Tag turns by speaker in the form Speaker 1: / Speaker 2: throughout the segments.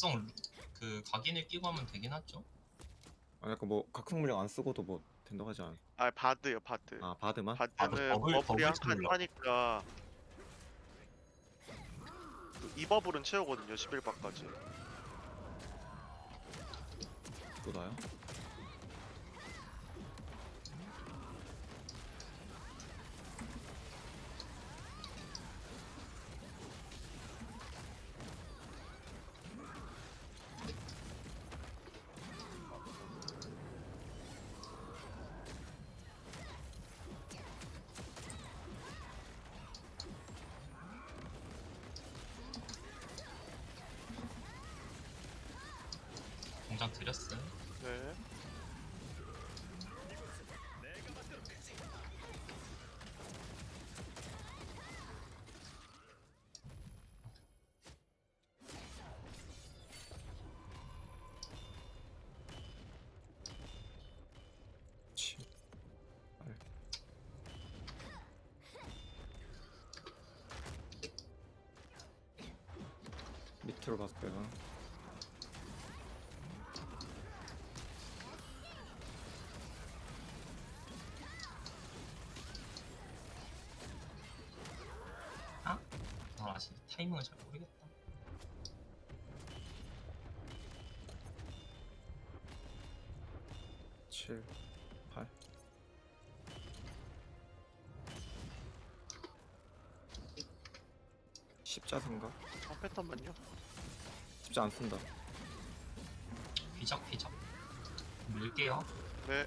Speaker 1: 각성 그 각인을 끼고 하면 되긴 하죠.
Speaker 2: 아 약간 뭐 각성 물량 안 쓰고도 뭐 된다고 하지 않아?
Speaker 3: 아 바드요 바드.
Speaker 2: 아 바드만?
Speaker 3: 바드는
Speaker 1: 버블
Speaker 3: 버블이 한 칸
Speaker 1: 채우려고.
Speaker 3: 차니까 그 2버블은 채우거든요 11바까지.
Speaker 2: 또 나요?
Speaker 1: 공장 드렸어요.
Speaker 3: 네.
Speaker 2: 치. 알. 밑으로 갔어요.
Speaker 1: 아 아직 타이밍을 잘 모르겠다.
Speaker 2: 7, 8. 십자 생각?
Speaker 3: 한 패턴만요.
Speaker 2: 십자 안 쓴다.
Speaker 1: 피적 밀게요.
Speaker 3: 네.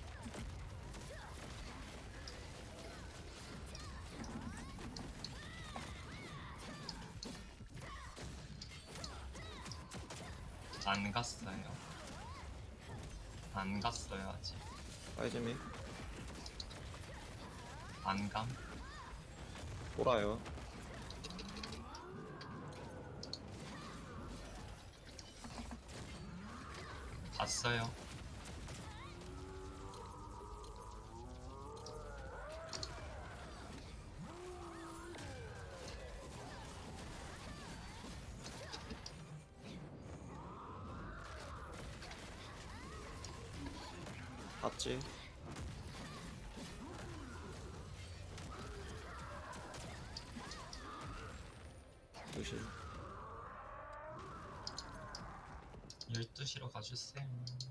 Speaker 1: 안 갔어요. 안 갔어요 아직.
Speaker 2: 사이즈미
Speaker 1: 안 감.
Speaker 2: 돌아요.
Speaker 1: 갔어요.
Speaker 2: 봤지? 조심.
Speaker 1: 12시로 가주세요.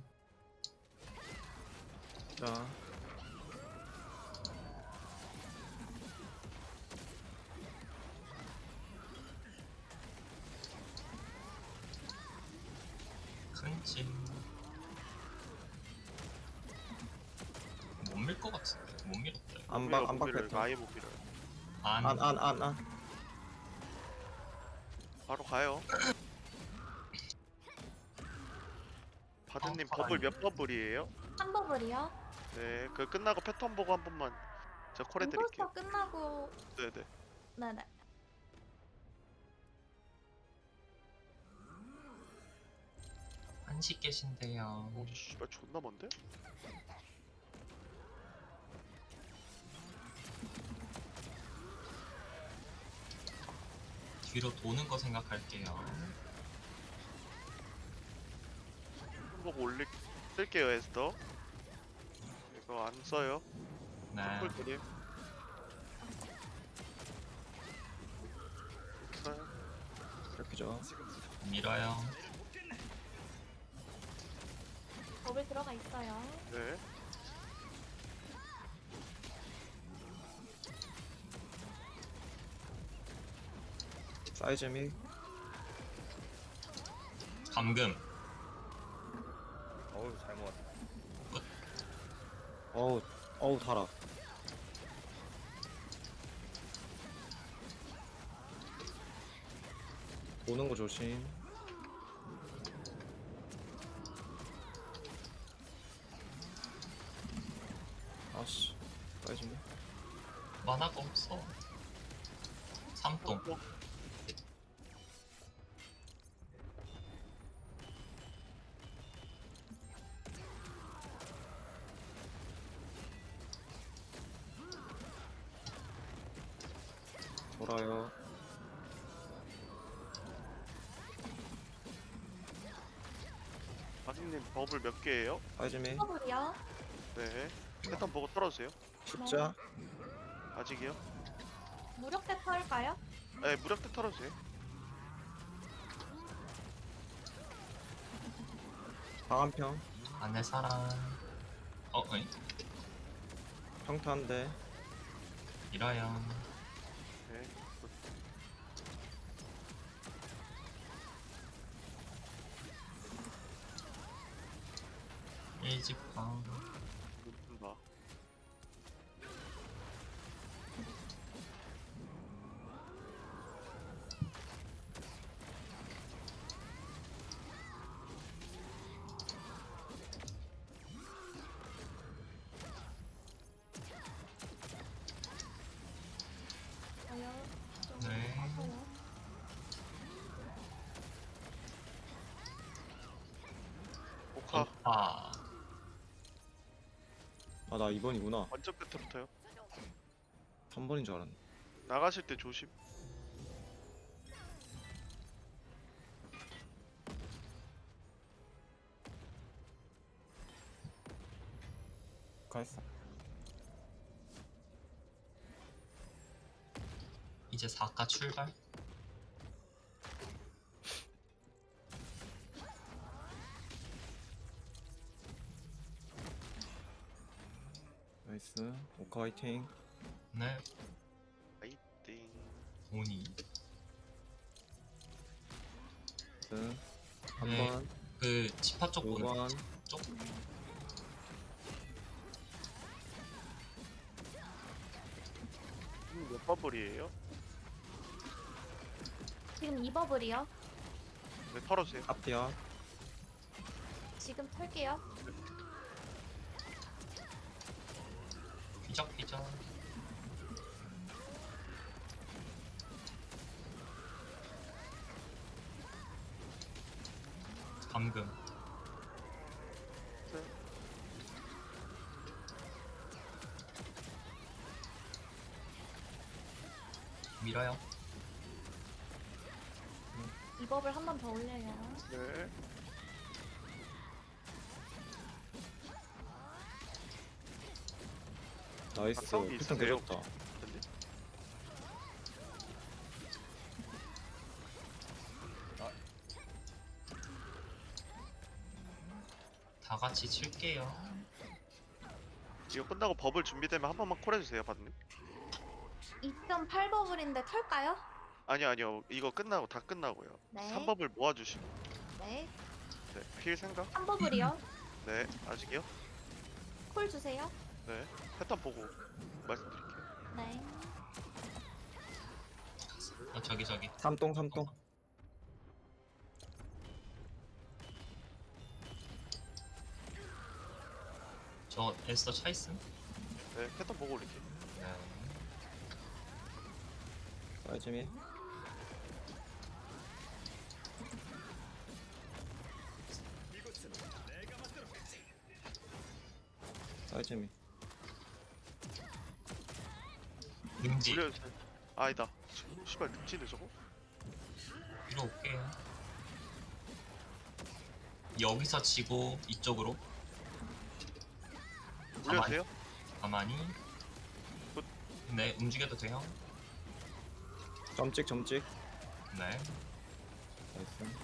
Speaker 2: 자,
Speaker 1: 큰찜. 못 밀 것 같은데. 못 밀었다. 이거.
Speaker 2: 안박 안박
Speaker 3: 밀어요.
Speaker 2: 패턴.
Speaker 3: 아예 못 밀어요.
Speaker 2: 안.
Speaker 3: 바로 가요. 바드님
Speaker 1: 아,
Speaker 3: 버블
Speaker 1: 아니요.
Speaker 3: 몇 버블이에요?
Speaker 4: 한 버블이요?
Speaker 3: 네. 그 끝나고 패턴 보고 한 번만 제가 콜해드릴게요.
Speaker 4: 인포스터 끝나고
Speaker 3: 네네.
Speaker 4: 네네.
Speaker 1: 한식 계신데요.
Speaker 3: 오 씨발 존나 먼데?
Speaker 1: 뒤로 도는 거 생각할게요.
Speaker 3: 보고 쓸게요 에스더. 이거 안 써요.
Speaker 1: 네.
Speaker 3: 콜드림. 써요.
Speaker 2: 이렇게죠.
Speaker 1: 밀어요.
Speaker 4: 버블 들어가 있어요.
Speaker 3: 네.
Speaker 2: 사이즈미
Speaker 1: 감금.
Speaker 5: 어우 잘 모았다.
Speaker 2: 어우 달아. 오는 거 조심. 아씨, 사이즈미.
Speaker 1: 만화가 없어. 삼동.
Speaker 2: 돌아요.
Speaker 3: 아디님 버블 몇 개예요?
Speaker 2: 빠짐이
Speaker 4: 버블이요.
Speaker 3: 네. 패턴 보고 털어주세요.
Speaker 2: 십자
Speaker 3: 아직이요?
Speaker 4: 무력대 털까요?
Speaker 3: 네, 무력대 털어주세요.
Speaker 2: 방한평
Speaker 1: 안내 사람. 어이?
Speaker 2: 평타 한대
Speaker 1: 밀어요.
Speaker 3: 네.
Speaker 1: 일직방.
Speaker 3: 봐.
Speaker 4: 저요. 좀
Speaker 1: 네.
Speaker 4: 하고요.
Speaker 3: 오카
Speaker 1: 오빠.
Speaker 2: 아 나 2번이구나
Speaker 3: 완전 끝부터요.
Speaker 2: 3번인 줄 알았네
Speaker 3: 나가실 때 조심.
Speaker 2: 가했어
Speaker 1: 이제 4가 출발.
Speaker 2: 나이스 오카 화이팅
Speaker 1: 네.
Speaker 3: 띵.
Speaker 1: 오니.
Speaker 2: 나이스
Speaker 1: 네.
Speaker 2: 3번
Speaker 1: 그 지파 쪽 보는
Speaker 2: 5번
Speaker 1: 쪽.
Speaker 3: 몇 버블이에요?
Speaker 4: 지금 2버블이요.
Speaker 3: 네, 털어주세요.
Speaker 2: 앞뒤야
Speaker 4: 지금 털게요.
Speaker 1: 휘적휘적. 감금.
Speaker 3: 네.
Speaker 1: 밀어요.
Speaker 4: 2버블 한 번 더 올려요.
Speaker 3: 네.
Speaker 2: 나이스
Speaker 3: 각성기
Speaker 2: 패턴
Speaker 3: 있으세요?
Speaker 2: 개좋다
Speaker 3: 근데
Speaker 1: 다 같이 칠게요.
Speaker 3: 이거 끝나고 버블 준비되면 한 번만 콜 해주세요, 받님.
Speaker 4: 2.8버블인데 털까요?
Speaker 3: 아니요. 이거 끝나고 다 끝나고요.
Speaker 4: 네.
Speaker 3: 3버블 모아주시고.
Speaker 4: 네.
Speaker 3: 네. 필 생각?
Speaker 4: 3버블이요.
Speaker 3: 네. 아직이요?
Speaker 4: 콜 주세요.
Speaker 3: 네. 패턴 보고 말씀드릴게요.
Speaker 4: 네.
Speaker 1: 저기.
Speaker 2: 삼동
Speaker 1: 저 에스더 차 있음?
Speaker 3: 네. 패턴 보고 올릴게요.
Speaker 1: 네.
Speaker 2: 빠짐이 빠짐이
Speaker 1: 능지.
Speaker 3: 올려주세요. 아니다. 씨발 늑지네 저거?
Speaker 1: 위로 올게요. 여기서 치고 이쪽으로.
Speaker 3: 올려주세요.
Speaker 1: 가만히.
Speaker 3: 굿.
Speaker 1: 네, 움직여도 돼요.
Speaker 2: 점찍
Speaker 1: 네.
Speaker 2: 나이스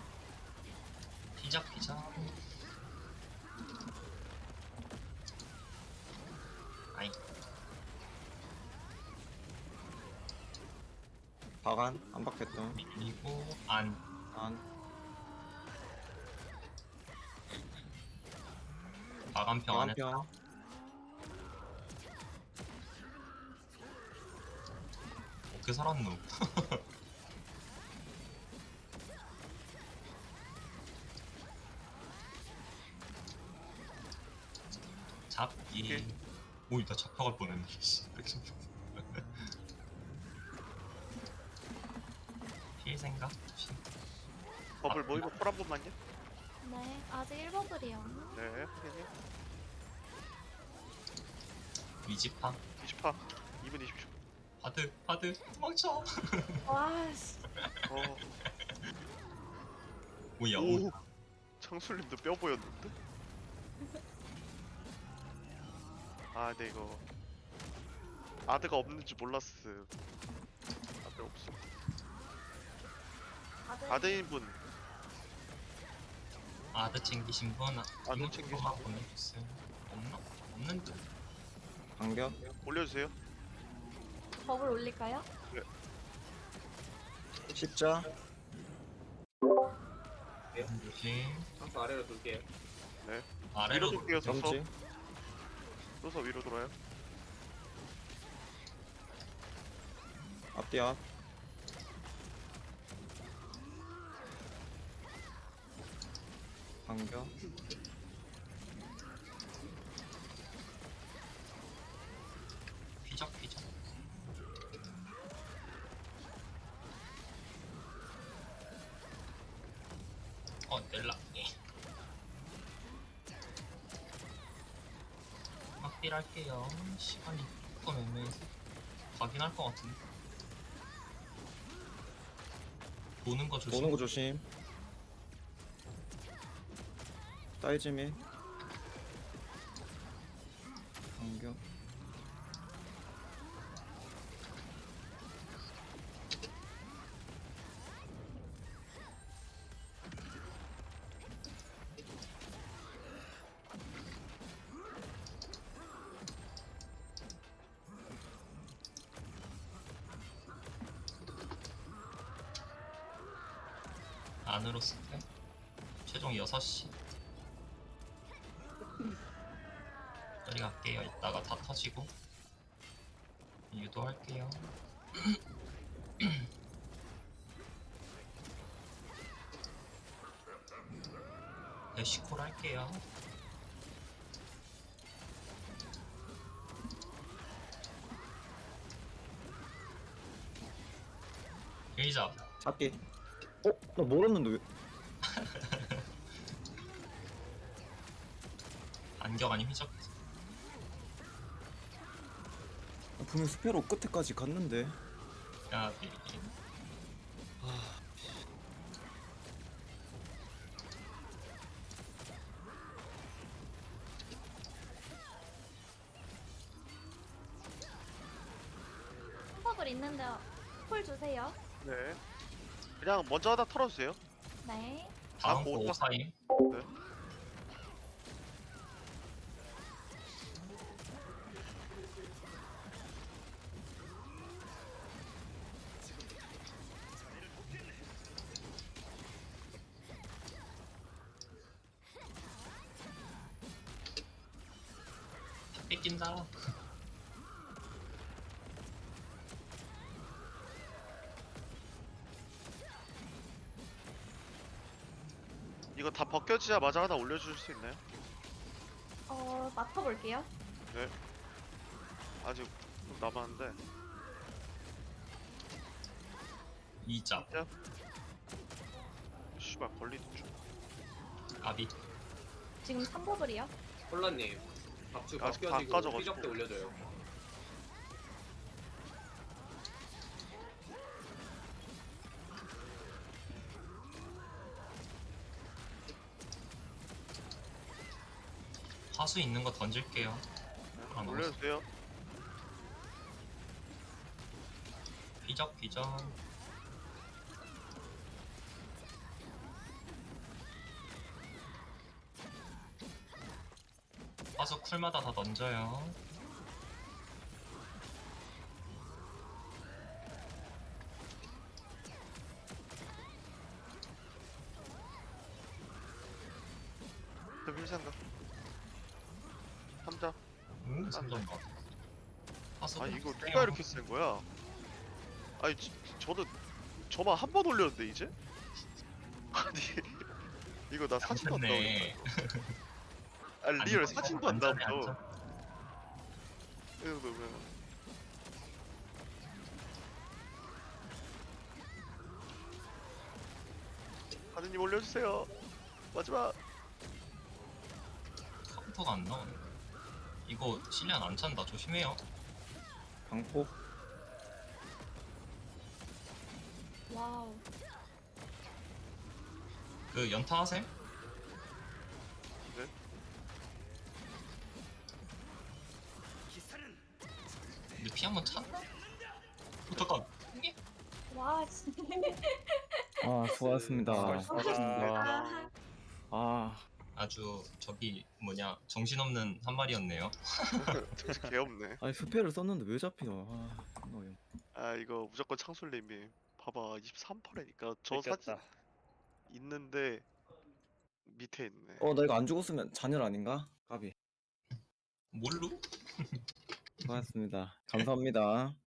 Speaker 1: 피적. 아이,
Speaker 2: 박안 안 박혔다
Speaker 1: 밀리고 안.
Speaker 2: 안
Speaker 1: 마감평 안에
Speaker 2: 방한평
Speaker 1: 어떻게 살았노? 잡기.
Speaker 3: 오케이.
Speaker 1: 오이, 나 잡혀갈 뻔했네. 씨. 필 생각?
Speaker 3: 버블 모이고 콜 한 번만요.
Speaker 4: 네. 아직 1버블이요.
Speaker 3: 네. 확인해요.
Speaker 1: 위지파.
Speaker 3: 20파. 2분 20초.
Speaker 1: 바드 도망쳐.
Speaker 4: 와, 씨.
Speaker 3: 어.
Speaker 1: 오야,
Speaker 3: 오. 창술님도 뼈 보였는데? 아 근데 이거 아드가 없는 줄 몰랐음. 아드 없어. 아드인 분
Speaker 1: 아드 챙기신 분
Speaker 3: 아드 챙기신
Speaker 1: 이모티콘만
Speaker 3: 분.
Speaker 1: 보내주세요. 없나? 없는 듯.
Speaker 2: 반격.
Speaker 3: 올려주세요.
Speaker 4: 버블 올릴까요?
Speaker 2: 십자.
Speaker 1: 조심.
Speaker 5: 항상 아래로 돌게요.
Speaker 3: 위로
Speaker 1: 아래로
Speaker 3: 돌게요. 서서
Speaker 2: 정지.
Speaker 3: 서서 위로 돌아요.
Speaker 2: 앞뒤 앞. 반격.
Speaker 1: 피적. 넬라. 예. 막딜 할게요. 시간이 조금 애매해서 가긴 할 것 같은데. 도는 거 조심.
Speaker 2: 도는 거 조심. 따이즈미. 반격.
Speaker 1: 안으로 쓸게. 최종 6시. 여기 갈게요. 이따가 다 터지고. 유도할게요. 대시콜 할게요. 일자.
Speaker 2: 잡기. 나 몰랐는데 왜?
Speaker 1: 안경 아니 휘적.
Speaker 2: 분명 스페로 끝에까지 갔는데.
Speaker 1: 야,
Speaker 4: 버블 있는데 콜 주세요.
Speaker 3: 네. 그냥 먼저 하나 털어주세요.
Speaker 4: 네.
Speaker 1: 다음
Speaker 3: 뭐
Speaker 1: 거
Speaker 3: 타-
Speaker 1: 오사임.
Speaker 3: 네.
Speaker 1: 다 뺏긴다.
Speaker 3: 이거 다 벗겨지자마자 하나 올려주실 수 있나요?
Speaker 4: 맡아볼게요.
Speaker 3: 아직 좀 남았는데.
Speaker 1: 이자.
Speaker 3: 씨발 걸리는 중.
Speaker 1: 아비.
Speaker 4: 지금 3버블이요.
Speaker 5: 콜라님 박주
Speaker 3: 아직 다
Speaker 5: 벗겨지고
Speaker 3: 까져가지고.
Speaker 5: 피적 때 올려줘요.
Speaker 1: 화수 있는 거 던질게요. 아,
Speaker 3: 올려주세요.
Speaker 1: 비적. 화수 쿨마다 다 던져요.
Speaker 3: 그 필생각. 3자.
Speaker 1: 3점 봐. 화수.
Speaker 3: 아 이거 누가 이렇게 센 거야? 아니 저는 저만 한 번 올렸는데 이제? 아니 이거 나 사진도 안 나오네.
Speaker 1: 네.
Speaker 3: 아니 리얼 사진도 안 나오죠. 이
Speaker 1: 네.
Speaker 3: 정도면 하느님 올려주세요. 마지막.
Speaker 1: 카운터가 안 나오네. 이거 실리안 안 찬다. 조심해요.
Speaker 2: 방폭.
Speaker 4: 와우.
Speaker 1: 그 연타 하셈? 피 한번 찼나? 잠깐 이게
Speaker 4: 와 진짜.
Speaker 2: 아 수고하셨습니다.
Speaker 3: 수고하셨습니다.
Speaker 2: 아
Speaker 1: 아주 저기 뭐냐 정신없는 한 마리였네요.
Speaker 3: 진짜 개없네.
Speaker 2: 아니 스펠을 썼는데 왜 잡히노? 아 존나 어이없네.
Speaker 3: 아 이거 무조건 창술님이 봐봐 23%니까 저 사진 있는데 밑에 있네.
Speaker 2: 나 이거 안 죽었으면 잔열 아닌가? 까비.
Speaker 1: 뭘로?
Speaker 2: 수고하셨습니다. 감사합니다.